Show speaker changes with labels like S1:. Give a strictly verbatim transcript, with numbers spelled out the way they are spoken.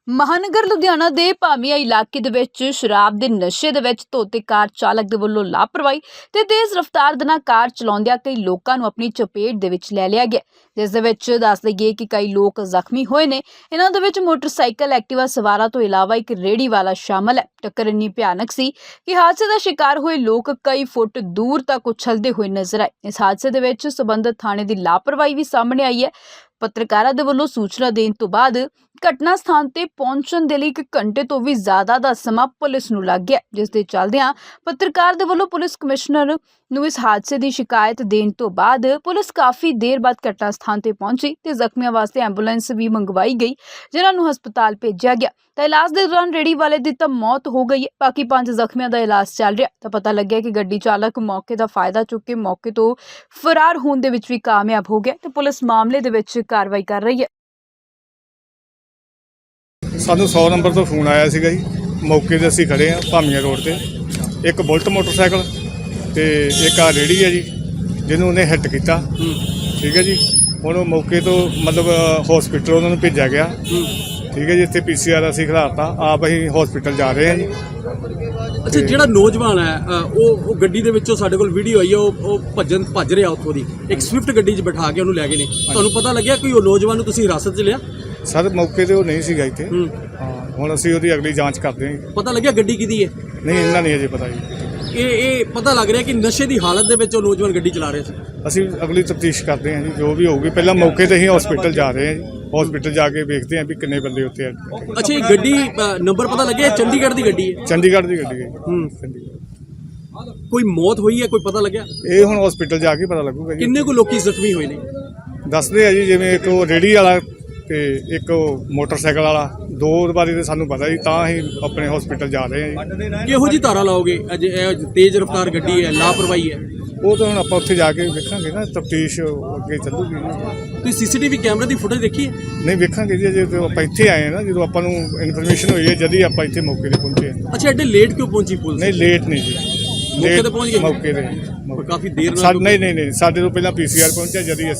S1: ਮਹਾਨਗਰ ਲੁਧਿਆਣਾ ਦੇ ਭਾਮੀਆ ਇਲਾਕੇ ਦੇ ਵਿੱਚ ਸ਼ਰਾਬ ਦੇ ਨਸ਼ੇ ਦੇ ਵਿੱਚ ਧੋਤੇ ਕਾਰ ਚਾਲਕ ਦੇ ਵੱਲੋਂ ਲਾਪਰਵਾਹੀ ਤੇ ਤੇਜ਼ ਰਫ਼ਤਾਰ ਦੇ ਨਾਲ ਕਾਰ ਚਲਾਉਂਦਿਆਂ ਕਈ ਲੋਕਾਂ ਨੂੰ ਆਪਣੀ ਚਪੇਟ ਦੇ ਵਿੱਚ ਲੈ ਲਿਆ ਗਿਆ, ਜਿਸ ਦੇ ਵਿੱਚ ਦੱਸ ਦਈਏ ਕਿ ਕਈ ਲੋਕ ਜ਼ਖਮੀ ਹੋਏ ਨੇ। ਇਹਨਾਂ ਦੇ ਵਿੱਚ ਮੋਟਰਸਾਈਕਲ ਐਕਟਿਵਾ ਸਵਾਰਾਂ ਤੋਂ ਇਲਾਵਾ ਇੱਕ ਰੇੜੀ ਵਾਲਾ ਸ਼ਾਮਲ ਹੈ। ਟੱਕਰ ਇੰਨੀ ਭਿਆਨਕ ਸੀ ਕਿ ਹਾਦਸੇ ਦਾ ਸ਼ਿਕਾਰ ਹੋਏ ਲੋਕ ਕਈ ਫੁੱਟ ਦੂਰ ਤੱਕ ਉਛਲਦੇ ਹੋਏ ਨਜ਼ਰ ਆਏ। ਇਸ ਹਾਦਸੇ ਦੇ ਵਿੱਚ ਸਬੰਧਤ ਥਾਣੇ ਦੀ ਲਾਪਰਵਾਹੀ ਵੀ ਸਾਹਮਣੇ ਆਈ ਹੈ। ਪੱਤਰਕਾਰਾਂ ਦੇ ਵੱਲੋਂ ਸੂਚਨਾ ਦੇਣ ਤੋਂ ਬਾਅਦ ਘਟਨਾ ਸਥਾਨ ਤੇ ਪਹੁੰਚਣ ਦੇ ਲਈ ਇੱਕ ਘੰਟੇ ਤੋਂ ਵੀ ਜ਼ਿਆਦਾ ਦਾ ਸਮਾਂ ਪੁਲਿਸ ਨੂੰ ਲੱਗ ਗਿਆ, ਜਿਸ ਦੇ ਚੱਲਦਿਆਂ ਪੱਤਰਕਾਰ ਦੇ ਵੱਲੋਂ ਪੁਲਿਸ ਕਮਿਸ਼ਨਰ ਨੂੰ ਇਸ ਹਾਦਸੇ ਦੀ ਸ਼ਿਕਾਇਤ ਦੇਣ ਤੋਂ ਬਾਅਦ ਪੁਲਿਸ ਕਾਫੀ ਦੇਰ ਬਾਅਦ ਘਟਨਾ ਸਥਾਨ ਤੇ ਪਹੁੰਚੀ ਤੇ ਜ਼ਖਮੀਆਂ ਵਾਸਤੇ ਐਂਬੂਲੈਂਸ ਵੀ ਮੰਗਵਾਈ ਗਈ, ਜਿਨ੍ਹਾਂ ਨੂੰ ਹਸਪਤਾਲ ਭੇਜਿਆ ਗਿਆ। ਤਾਂ ਇਲਾਜ ਦੇ ਦੌਰਾਨ ਰੇੜੀ ਵਾਲੇ ਦੀ ਤਾਂ ਮੌਤ ਹੋ ਗਈ ਹੈ, ਬਾਕੀ ਪੰਜ ਜ਼ਖਮੀਆਂ ਦਾ ਇਲਾਜ ਚੱਲ ਰਿਹਾ। ਤਾਂ ਪਤਾ ਲੱਗਿਆ ਕਿ ਗੱਡੀ ਚਾਲਕ ਮੌਕੇ ਦਾ ਫਾਇਦਾ ਚੁੱਕ ਕੇ ਮੌਕੇ ਤੋਂ ਫਰਾਰ ਹੋਣ ਦੇ ਵਿੱਚ ਵੀ ਕਾਮਯਾਬ ਹੋ ਗਿਆ ਤੇ ਪੁਲਿਸ ਮਾਮਲੇ ਦੇ ਵਿੱਚ ਕਾਰਵਾਈ ਕਰ ਰਹੀ ਹੈ।
S2: ਸਾਨੂੰ ਸੌ ਨੰਬਰ ਤੋਂ ਫੋਨ ਆਇਆ ਸੀਗਾ ਜੀ। ਮੌਕੇ 'ਤੇ ਅਸੀਂ ਖੜ੍ਹੇ ਹਾਂ ਭਾਮੀਆ ਰੋਡ 'ਤੇ। ਇੱਕ ਬੁਲਟ ਮੋਟਰਸਾਈਕਲ ਤੇ ਇੱਕ ਆ ਰੇਹੜੀ ਹੈ ਜੀ, ਜਿਹਨੂੰ ਉਹਨੇ ਹਿੱਟ ਕੀਤਾ। ਠੀਕ ਹੈ ਜੀ। ਹੁਣ ਉਹ ਮੌਕੇ ਤੋਂ ਮਤਲਬ ਹੌਸਪੀਟਲ ਉਹਨਾਂ ਨੂੰ ਭੇਜਿਆ ਗਿਆ। ਠੀਕ ਹੈ ਜੀ। ਇੱਥੇ ਪੀ ਸੀ ਆਰ ਅਸੀਂ ਖਿਲਾਰਤਾ, ਆਪ ਅਸੀਂ ਹੌਸਪੀਟਲ ਜਾ ਰਹੇ ਹਾਂ ਜੀ।
S3: ਅੱਛਾ, ਜਿਹੜਾ ਨੌਜਵਾਨ ਹੈ ਉਹ ਉਹ ਗੱਡੀ ਦੇ ਵਿੱਚੋਂ ਸਾਡੇ ਕੋਲ ਵੀਡੀਓ ਆਈ ਹੈ, ਉਹ ਉਹ ਭੱਜਣ ਭੱਜ ਰਿਹਾ ਉੱਥੋਂ ਦੀ। ਇੱਕ ਸਵਿਫਟ ਗੱਡੀ 'ਚ ਬਿਠਾ ਕੇ ਉਹਨੂੰ ਲੈ ਗਏ ਨੇ। ਤੁਹਾਨੂੰ ਪਤਾ ਲੱਗਿਆ ਕੋਈ ਉਹ ਨੌਜਵਾਨ ਨੂੰ ਤੁਸੀਂ ਹਿਰਾਸਤ 'ਚ ਲਿਆ?
S2: ਸਰ ਮੌਕੇ 'ਤੇ ਉਹ ਨਹੀਂ ਸੀਗਾ ਇੱਥੇ। ਹਾਂ, ਹੁਣ ਅਸੀਂ ਉਹਦੀ ਅਗਲੀ ਜਾਂਚ ਕਰਦੇ ਹਾਂ।
S3: ਪਤਾ ਲੱਗਿਆ ਗੱਡੀ ਕਿਹਦੀ ਹੈ?
S2: ਨਹੀਂ, ਇਹਨਾਂ ਨਹੀਂ ਅਜੇ ਪਤਾ ਜੀ।
S3: ਇਹ ਇਹ ਪਤਾ ਲੱਗ ਰਿਹਾ ਕਿ ਨਸ਼ੇ ਦੀ ਹਾਲਤ ਦੇ ਵਿੱਚ ਉਹ ਨੌਜਵਾਨ ਗੱਡੀ ਚਲਾ ਰਿਹਾ ਸੀ।
S2: ਅਸੀਂ ਅਗਲੀ ਤਫਤੀਸ਼ ਕਰਦੇ ਹਾਂ ਜੀ, ਜੋ ਵੀ ਹੋਊਗੀ। ਪਹਿਲਾਂ ਮੌਕੇ 'ਤੇ ਹੀ ਹਸਪੀਟਲ ਜਾ ਰਹੇ ਹਾਂ ਜੀ। ਹਸਪੀਟਲ ਜਾ ਕੇ ਵੇਖਦੇ ਹਾਂ ਵੀ ਕਿੰਨੇ ਬੰਦੇ ਉੱਥੇ ਆ।
S3: ਅੱਛਾ, ਇਹ ਗੱਡੀ ਨੰਬਰ ਪਤਾ ਲੱਗਿਆ ਚੰਡੀਗੜ੍ਹ ਦੀ ਗੱਡੀ ਹੈ?
S2: ਚੰਡੀਗੜ੍ਹ ਦੀ ਗੱਡੀ ਹੈ।
S3: ਹੂੰ।
S2: ਚੰਡੀਗੜ੍ਹ।
S3: ਕੋਈ ਮੌਤ ਹੋਈ ਹੈ, ਕੋਈ ਪਤਾ ਲੱਗਿਆ?
S2: ਇਹ ਹੁਣ ਹਸਪੀਟਲ ਜਾ ਕੇ ਪਤਾ ਲੱਗੂਗਾ ਜੀ।
S3: ਕਿੰਨੇ ਕੁ ਲੋਕੀ ਜ਼ਖਮੀ ਹੋਏ ਨੇ?
S2: ਦੱਸਦੇ ਆ ਜੀ, ਜਿਵੇਂ ਇੱਕ ਉਹ ਰੇਹੜੀ ਵਾਲਾ ਤੇ ਇੱਕ ਉਹ ਮੋਟਰਸਾਈਕਲ ਵਾਲਾ। ਦੋ ਬਾਰੇ ਤਾਂ ਸਾਨੂੰ ਪਤਾ ਜੀ, ਤਾਂ ਅਸੀਂ ਆਪਣੇ ਹਸਪੀਟਲ ਜਾ ਰਹੇ ਹਾਂ ਜੀ।
S3: ਕਿਹੋ ਜੀ ਧਾਰਾ ਲਾਓਗੇ? ਅਜੇ ਇਹ ਤੇਜ਼ ਰਫ਼ਤਾਰ ਗੱਡੀ ਹੈ, ਲਾਪਰਵਾਹੀ ਹੈ।
S2: ਉਹ ਤਾਂ ਹੁਣ ਆਪਾਂ ਉੱਥੇ ਜਾ ਕੇ ਵੇਖਾਂਗੇ ਨਾ, ਤਫਤੀਸ਼ ਅੱਗੇ ਚੱਲੂਗੀ ਜੀ।
S3: ਤੁਸੀਂ ਸੀ ਸੀ ਟੀ ਵੀ ਕੈਮਰੇ ਦੀ ਫੁਟੇਜ ਦੇਖੀ ਹੈ?
S2: ਨਹੀਂ ਵੇਖਾਂਗੇ ਜੀ, ਅਜੇ ਤਾਂ ਆਪਾਂ ਇੱਥੇ ਆਏ ਹਾਂ ਨਾ। ਜਦੋਂ ਆਪਾਂ ਨੂੰ ਇਨਫੋਰਮੇਸ਼ਨ ਹੋਈ ਹੈ, ਜਦ ਹੀ ਆਪਾਂ ਇੱਥੇ ਮੌਕੇ 'ਤੇ ਪਹੁੰਚੇ ਹਾਂ।
S3: ਅੱਛਾ, ਐਡੇ ਲੇਟ ਕਿਉਂ ਪਹੁੰਚੀ ਪੁਲਿਸ?
S2: ਨਹੀਂ, ਲੇਟ ਨਹੀਂ ਜੀ।
S3: ਮੌਕੇ 'ਤੇ ਪਹੁੰਚ ਗਏ?
S2: ਮੌਕੇ 'ਤੇ
S3: ਕਾਫੀ ਦੇਰ ਨਾਲ।
S2: ਸਾਡੇ ਨਹੀਂ ਨਹੀਂ ਨਹੀਂ ਸਾਡੇ ਤੋਂ ਪਹਿਲਾਂ ਪੀ ਸੀ ਆਰ ਪਹੁੰਚਿਆ, ਜਦ ਹੀ ਅਸੀਂ